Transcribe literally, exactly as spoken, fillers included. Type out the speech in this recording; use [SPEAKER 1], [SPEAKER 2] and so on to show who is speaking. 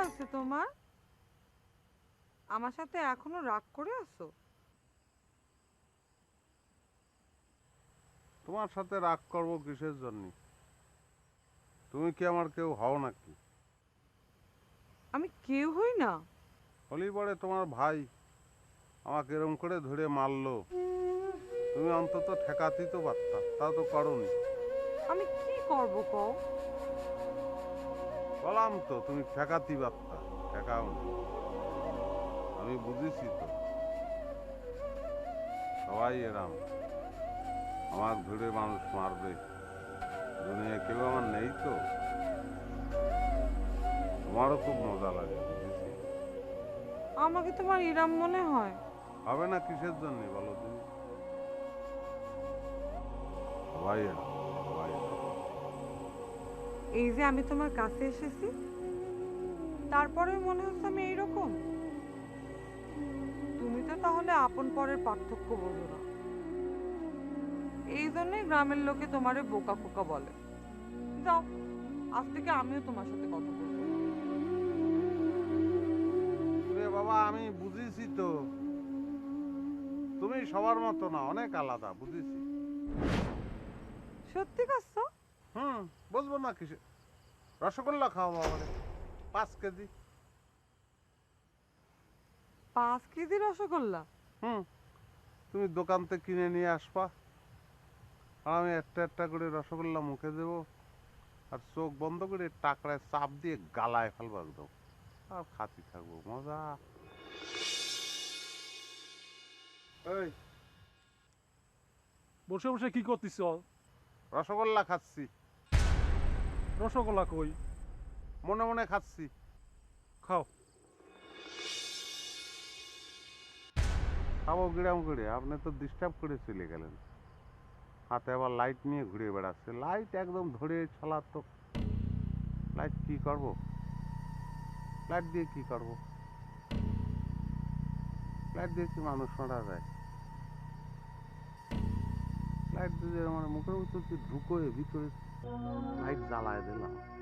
[SPEAKER 1] হয়েছে তোমার? আমার সাথে এখনো রাগ করে আছো?
[SPEAKER 2] তোমার সাথে রাগ করব কিসের জন্য? তুমি কি আমার কেউ হও নাকি?
[SPEAKER 1] আমি কেউ হই না।
[SPEAKER 2] হলি পরে তোমার ভাই আমাকে এরম করে ধরে মারলো, তুমি অন্তত ঠেকাতেই তো পারতা, তা তো করনি।
[SPEAKER 1] আমি কি করব কও?
[SPEAKER 2] বললাম তো তুমি ঠেকাতেই পারতা, ঠেকাওনি। আমি বুঝেছি তো, সবাই এরাম আমার ধরে মানুষ মারবে, দুনিয়া কেউ আমার নেই তো। তোমারও খুব মজা লাগে, বুঝেছি।
[SPEAKER 1] আমাকে তোমার ইরাম মনে হয়?
[SPEAKER 2] হবে না কিসের জন্য বলো তুমি? সবাই এরাম, সবাই এরাম।
[SPEAKER 1] এই যে আমি তোমার কাছে এসেছি, তারপরে মনে হচ্ছে আমি এইরকম। তুমি তো তাহলে আপন পরের পার্থক্য বোঝো না। এই জন্যই গ্রামের লোকে তোমারে বোকা খোকা বলে। যাও, আজ থেকে আমিও তোমার সাথে কথা বলবো না।
[SPEAKER 2] রে বাবা, আমি বুঝেছি তো, তুমি সবার মতো না, অনেক আলাদা, বুঝেছি।
[SPEAKER 1] সত্যি কাছো?
[SPEAKER 2] হুম, বুঝবো না কিসে। রসগোল্লা খাও বাবা, পাঁচ কেজি।
[SPEAKER 1] পাঁচ কেজি রসগোল্লা?
[SPEAKER 2] হুম, তুমি দোকান থেকে কিনে নিয়ে আসবা, আর আমি একটা একটা করে রসগোল্লা মুখে দেবো, আর চোখ বন্ধ করে টাকরায় চাপ দিয়ে গালায় ফেলবো একদম, আর খাতি থাকবো, মজা। এই,
[SPEAKER 3] বসে বসে কি করতেছ?
[SPEAKER 2] রসগোল্লা খাচ্ছি,
[SPEAKER 3] রসগোল্লা কই?
[SPEAKER 2] মনে মনে খাচ্ছি।
[SPEAKER 3] খাও।
[SPEAKER 2] খাবো গ্রাম করে, আপনি তো ডিস্টার্ব করে চলে গেলেন। হাতে আবার লাইট নিয়ে ঘুরে বেড়াচ্ছে, লাইট একদম ধরে ছাড়া তো। লাইট কি করব? লাইট দিয়ে কি করব? লাইট দিয়ে কি মানুষ মারা যায়? লাইট দিয়ে আমার মুখের ভিতর ঢুকোয় ভিতরে লাইট জ্বালায় দিলাম।